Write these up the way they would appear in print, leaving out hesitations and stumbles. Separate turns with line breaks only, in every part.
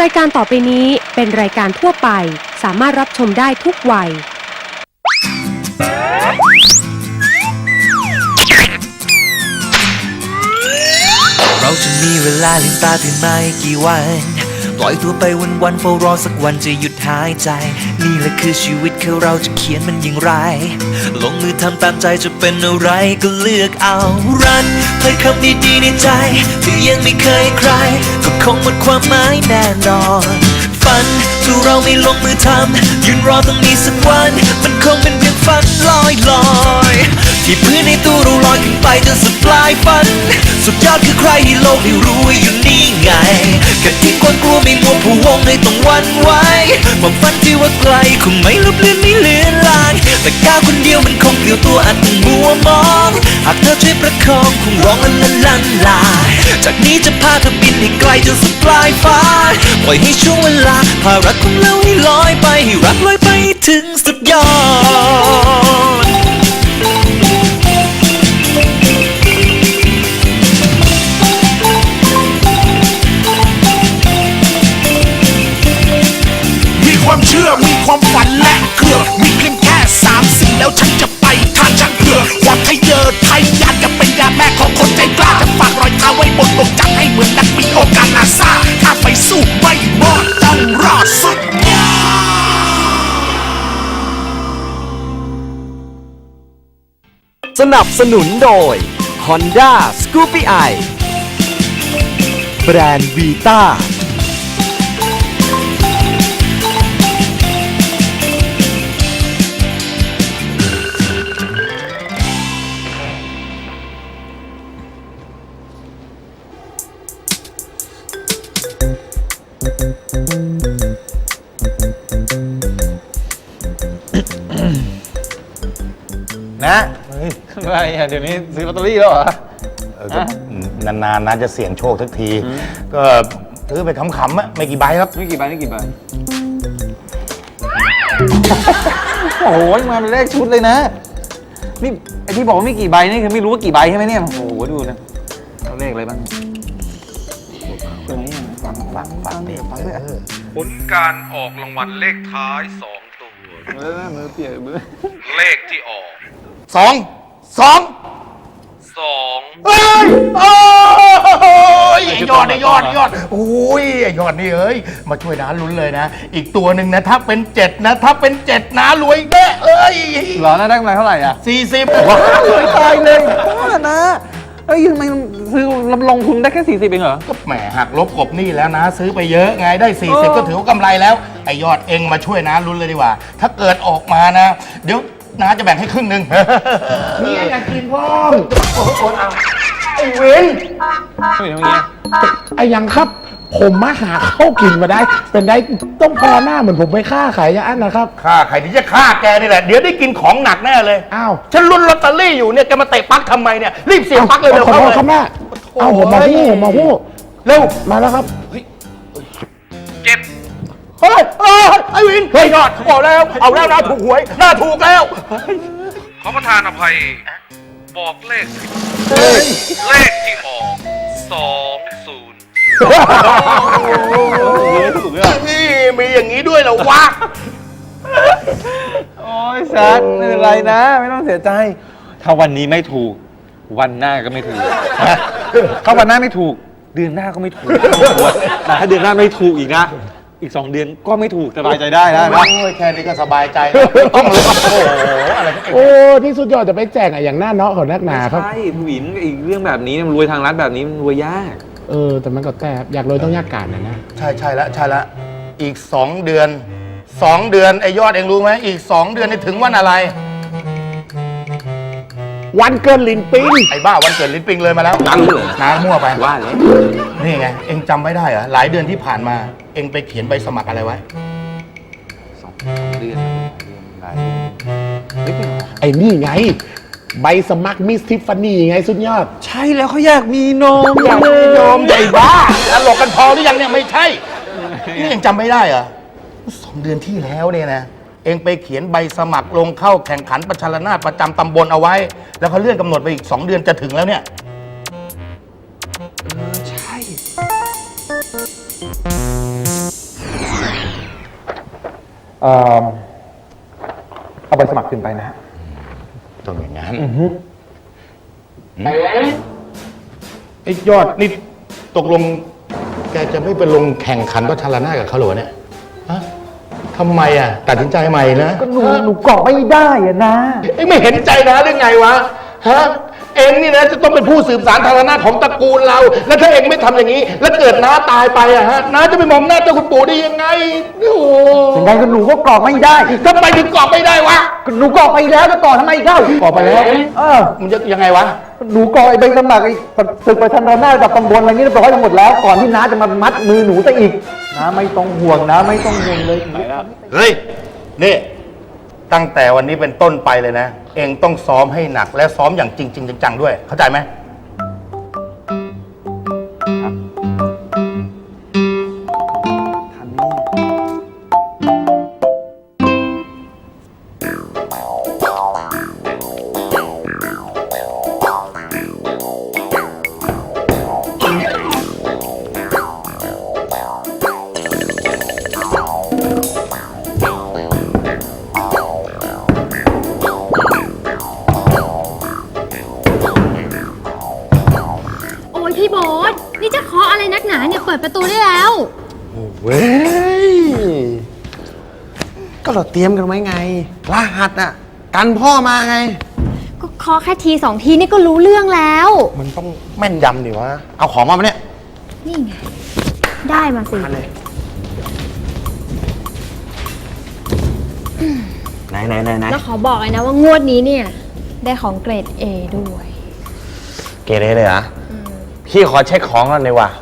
ายการต่อไปนี้เป็นรายการทั่วไปสามารถรับชมได้ทุกวัย
เราจะมีเวลาลืมตาตื่นมาอีกกี่วันปล่อยตัวไปวันๆเฝ้ารอสักวันจะหยุดหายใจนี่แหละคือชีวิตเราจะเขียนมันอย่างไรลงมือทำตามใจจะเป็นอะไรก็เลือกเอารันเผยคำดีๆในใจที่ยังไม่เคยใครก็คงหมดความหมายแน่นอนฝันถ้าเราไม่ลงมือทำยืนรอตรงนี้สักวันมันคงเป็นเพียงฝันลอยๆที่พื้นในตู้เราลอยขึ้นไปจนสุดปลายฝันสุดยอดคือใครที่โลกได้รู้ว่าอยู่นี่ไงแค่ทิ้งความกลัวไม่มัวผู้วงให้ต้องหวั่นไหวความฝันที่ว่าไกลคงไม่ลบเลือนไม่เลือนลางแต่ก้าวคนเดียวมันคงเปลี่ยวตัวอาจต้องมัวมองหากเธอช่วยประคองคงร้องลันลาจากนี้จะพาเธอบินให้ไกลจนสุดปลายฟ้าปล่อยให้ช่วงเวลาพารักของเราให้ลอยไปให้รักลอยไปถึงสุดยอด
ความเชื่อมีความฝันและเครือมีเพียงแค่3 สิ่งแล้วฉันจะไปทางช่างเผื่อว่าไทยเยอไทยยานจะเป็นยาแม่ของคนใจกล้าจะฝากรอยเท้าไว้บนโลกจักรให้เหมือนนักบินโอกาสนาซาถ้าไปสู้ไม่หมดต้องรอดสุด
สนับสนุนโดย Honda Scoopy i แบรนด์วีต้า
นะอะไรอ่ะเดี๋ยวนี้ซื้อลอตเตอรี่แล้วเหรอ
นานๆนะจะเสี่ยงโชคสักที ก็ซื้อไปขำๆอะไม่กี่ใบครับ
ไม่กี่ใบโอ้โหมาเป็นเลขชุดเลยนะนี่ไอที่บอกว่าไม่กี่ใบนี่คือไม่รู้ว่ากี่ใบใช่ไหมเนี่ยโอ้โหดูนะเอาเลขอะไรบ้างฟังด้วย
ผลการออกรางวัลเลขท้าย2 ตัว
มือเปียกมือ
เลขที่ออก
สอง
2
เฮ้ยโอ้ยไอ้ยอดโอ้ยไอ้ยอดนี่เอ้ยมาช่วยน้าลุ้นเลยนะ อีกตัวหนึ่งนะถ้าเป็น7นะถ้าเป็น7น้ารวยแน่เอ้ย
หรอนะได้กำไรเท่าไหร่อ่ะ
40
ว้าวตายเลยบ้านะเอ้ยทำไมซื้อลงทุนได้แค่40เองเหรอ
ก็แหมหักลบกบหนี้แล้วนะซื้อไปเยอะไงได้40ก็ถือว่ากำไรแล้วไอ้ยอดเองมาช่วยน้าลุ้นเลยดีกว่า ถ้าเกิดออกมานะเดี๋ยวน้าจะแบ่งให้ครึ่งหนึ่งนี่อยากกินพ่อไอ้เว้น
ไม่เป็นอย่างเงี้ย
ไอ้ยังครับผมมาหาข้าวกินมาได้ เป็นได้ต้องพอหน้าเหมือนผมไปฆ่าขายยาอันนะครับ
ฆ่าใครที่จะฆ่าแกนี่แหละเดี๋ยวได้กินของหนักแน่เลย
อ้าว
ฉันลุ้นลอตเตอรี่อยู่เนี่ยแกมาเตะปักทำไมเนี่ยรีบเสียบปลั๊กเลยเร็ว
ขอ
เข้า
โทษ
เลย
ครับแม่เอาผมมาพูด
เร็ว
มาแล้วครับ
7
เฮ้ยไอ้วินเฮ้ยยอดบอกแล้วเอาแล้วนะถูกหวยน่าถูกแล้ว
ขอประทานอภัย บอกเลขผิดเลขที่ออก 20
นี่มีอย่างนี้ด้วยเหรอวะ
โอ้ยซัดไม่เป็นไรนะไม่ต้องเสียใจถ้าวันนี้ไม่ถูกวันหน้าก็ไม่ถูกถ้าวันหน้าไม่ถูกเดือนหน้าก็ไม่ถูกแต่ถ้าเดือนหน้าไม่ถูกอีกนะอีก2 เดือนก็ไม่ถูกสบายใจได้นะ
โอ้ยแค่นี้ก็สบายใจแล้วไม่ต้องเลยโอ้โหอะไร
โอ้ที่สุดยอดจะไปแจกอะอย่างหน้าเนาะของนักหนาครับ
ใช่ผู้หญิงอีกเรื่องแบบนี้มันรวยทางรัฐแบบนี้มันรวยยาก
แต่มันก็แก้อยากรวยต้องยากการนะ
ใช่ละอีก2 เดือนไอ้ยอดเองรู้ไหมอีก2 เดือนนี่ถึงวันอะไร
วันเกินลินปิ้ง
ไอ้บ้าวันเกิดลิ้นปิงเลยมาแล้ว
ตั้งเลย
น้ามั่วไป
ว่าเลย
นี่ไงเองจำไม่ได้เหรอหลายเดือนที่ผ่านมาเองไปเขียนใบสมัครอะไรไว้
2 เดือนหลายเดือน
ไอ้นี่ไง ใบสมัครมิสทิฟฟานี่ไงสุดยอด
ใช่แล้วเขาอยากมีนม
อยากมีโยมใหญ่บ้าตลกกันพอหรือยังเนี่ยไม่ใช่ นี่เองจำไม่ได้เหรอ2 เดือนที่แล้วเนี่ยนะเองไปเขียนใบสมัครลงเข้าแข่งขันประชานาถประจำตำบลเอาไว้ แล้วเขาเลื่อนกำหนดไปอีก2 เดือนจะถึงแล้วเนี่ย
ใช่เอาใบสมัครขึ้นไปนะฮะ
ต้องอย่างนั้นไอ้ยอดนี่ตกลงแกจะไม่ไปลงแข่งขันประชันระนาดกับเขาเหรอเนี่ยฮะทำไมอ่ะตัดสินใจใหม่นะ
ก็หนูเกาะไม่ได้อะนะ
เอ็งไม่เห็นใจนะหรือไงวะฮะเอ็งนี่นะจะต้องเป็นผู้สืบสานทางอำนาจของตระกูลเรา แล้วถ้าเอ็งไม่ทำอย่างนี้ แล้วเกิดน้าตายไปอะฮะน้าจะไปมองหน้าเจ้าคุณปู่ได้ยังไงโอ้โห
ยังไงก็หนูก็เกาะไม่ได้
ทำไมถึงกรอบไม่ได้วะ
หนูเกาะไปแล้วจะต่อทำไมเล่าเกาะไปแล้ว
มันจะยังไงวะ
หนูเกาะไอ้ใบสมัครไอ้ศึกประชันระนาดกับตำบลอะไรนี้เรียบร้อยทั้งหมดแล้วก่อนที่น้าจะมามัดมือหนูซะอีกน้าไม่ต้องห่วงนะไม่ต้องห่วงเลย
เฮ้ยนี่ตั้งแต่วันนี้เป็นต้นไปเลยนะ เอ็งต้องซ้อมให้หนักและซ้อมอย่างจริงๆจังๆด้วยเข้าใจไหม
โอ้ยพี่โบ๊ทนี่จะเคาะอะไรนักหนาเนี่ยเปิดประตูได้แล้ว
เว้ย ก็เราเตรียมกันไว้ไง รหัสอ่ะ กันพ่อมาไง
ก็เคาะแค่ทีสองทีนี่ก็รู้เรื่องแล้ว
มันต้องแม่นยำดิวะ เอาของมาปะเนี่ย
นี่ไง ได้มาสิ
มาเลย ไหน
แล้วขอบอกเลยนะว่างวดนี้เนี่ย ได้ของเกรด A ด้วย
เกเรเลยเหรอพี่ขอเช็คของก่อนเลยว่ะ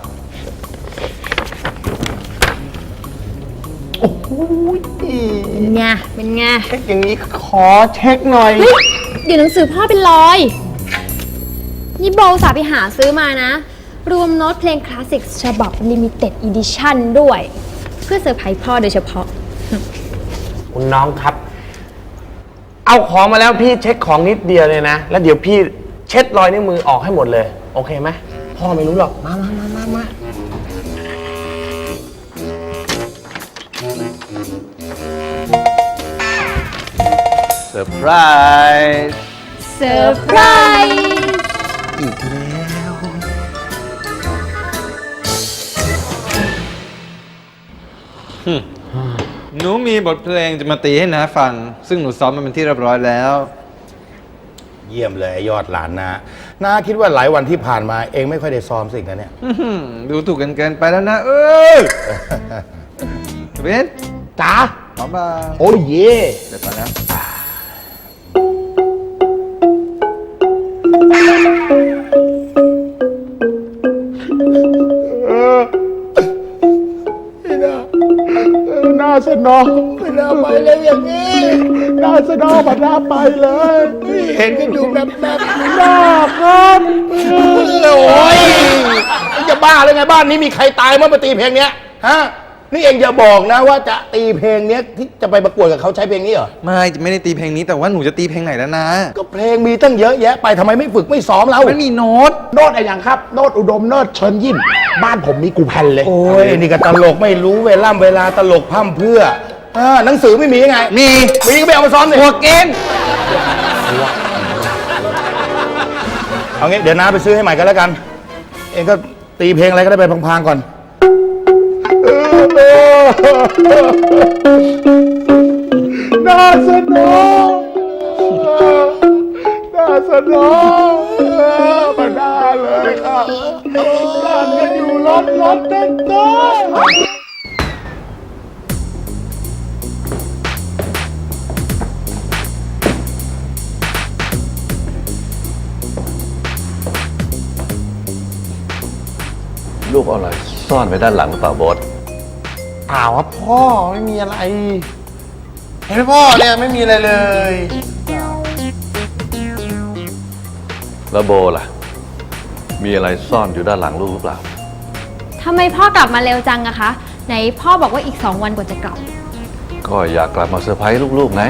เป็นไง เป็นไง
เช็คอย่างนี้ขอเช็คหน่อย
เฮ้ยเดี๋ยวหนังสือพ่อเป็นรอย นี่โบสาไปหาซื้อมานะ รวมโน้ตเพลงคลาสสิกฉบับ Limited Edition ด้วย เพื่อเซอร์ไพรส์พ่อโดยเฉพาะ
คุณน้องครับ เอาของมาแล้วพี่เช็คของนิดเดียวเลยนะ แล้วเดี๋ยวพี่เช็ดรอยนิ้วมือออกให้หมดเลย โอเคไหม พ่อไม่รู้หรอก มา
เซอร์ไพรส์
เซอร์ไพรส์
อีกแล้ว
หนูมีบทเพลงจะมาตีให้น้าฟัง ซึ่งหนูซ้อมมันเป็นที่เรียบร้อยแล้ว
เยี่ยมเลยไอ้ยอดหลานน้าคิดว่าหลายวันที่ผ่านมาเองไม่ค่อยได้ซ้อมสิ่งนั้นเนี่ย
ดูถูกกันเกินไปแล้วนะเบน
จ๋า
ขอมา
โอ้ยเย่
เดี๋ยวไปแล้ว
น่าสนองไม่น่าไปเลยอย่างนี้น่าสนองมันน่าไปเลยเห็นกันอยู่แบบน่าครับ
โอ้ยจะบ้าเลยไงบ้านนี้มีใครตายเมื่อมาตีเพลงเนี้ยฮะนี่เองอย่าบอกนะว่าจะตีเพลงเนี้ยที่จะไปประกวดกับเขาใช้เพลงนี้เหรอ
ไม่ได้ตีเพลงนี้แต่ว่าหนูจะตีเพลงไหนแล้วนะ
ก็เพลงมีตั้งเยอะแยะไปทำไมไม่ฝึกไม่ซ้อมเรา
ไม่มีโน้ต
โนดอะไรอย่างครับ โนดอุดมโนดเชิญยิ้มบ้านผมมีกูแผ่นเลย
โอ้ยนี่ก็ตลกไม่รู้เวลาตลกพร่ำเพรื่อหนังสือไม่มียังไง
มี
ก็ไปเอามาซ้อมเลย
หัวเกม
เอางี้เดี๋ยวน้าไปซื้อให้ใหม่กันแล้วกัน เองก็ตีเพลงอะไรก็ได้ไปพังๆก่อน
น่าสนองน่าสนองมาได้เลยครับบ้านกันอยู่รถเต้น
รูปอะไรซ่อนไว้ด้านหลังหรือเปล่าโบ๊ท
เปล่าครับพ่อไม่มีอะไร เห็นไหมพ่อเนี่ยไม่มีอะไรเลย
แล้วโบล่ะ มีอะไรซ่อนอยู่ด้านหลังลูกหรือเปล่า
ทำไมพ่อกลับมาเร็วจังอะคะ ไหนพ่อบอกว่าอีก2 วันกว่าจะกลับ
ก็อยากกลับมาเซอร์ไพรส์ลูกๆไง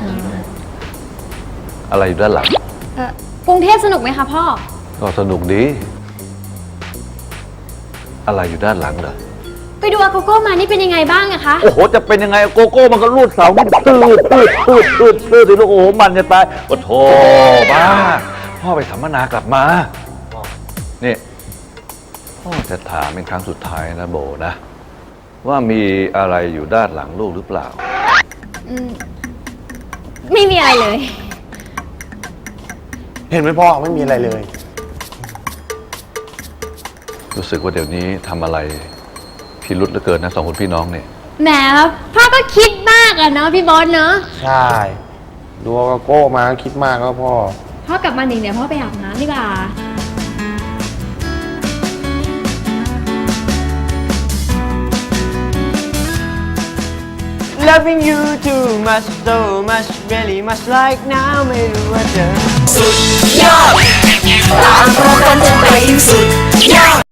อะไรอยู่ด้านหลัง
กรุงเทพสนุกไหมคะพ่อ
ก็สนุกดี อะไรอยู่ด้านหลังเหรอ
ก็ดูอาโกโก้มานี่เป็นยังไงบ้างอะคะ
โอ้โห จะเป็นยังไงโกโก้มันก็รูดเสามันตืดสิลูกโอ้โหมันจะตายโอ้โถบ้าพ่อไปสัมมนากลับมานี่พ่อจะถามเป็นครั้งสุดท้ายนะโบนะ ว่ามีอะไรอยู่ด้านหลังลูกหรือเปล่า
ไม่มีอะไรเลย
เห็นไหมพ่อไม่มีอะไรเลย
รู้สึกว่าเดี๋ยวนี้ทำอะไรพิรุษเหลือเกินนะสองคนพี่น้องเนี่ย
แหมพ่อก็คิดมากอะเนาะพี่บอสเนาะ
ใช่ดูอาโกโก้มาคิดมากแล้วพ่อ
พ่อกลับมาหนึ่งเดี๋ยวพ่อไปอาบน้ำดีกว่า
Loving you too much so much really much like now ไม่รู้ว่าเธอ
สุดยอดตามพอกันจนไปสุดยอด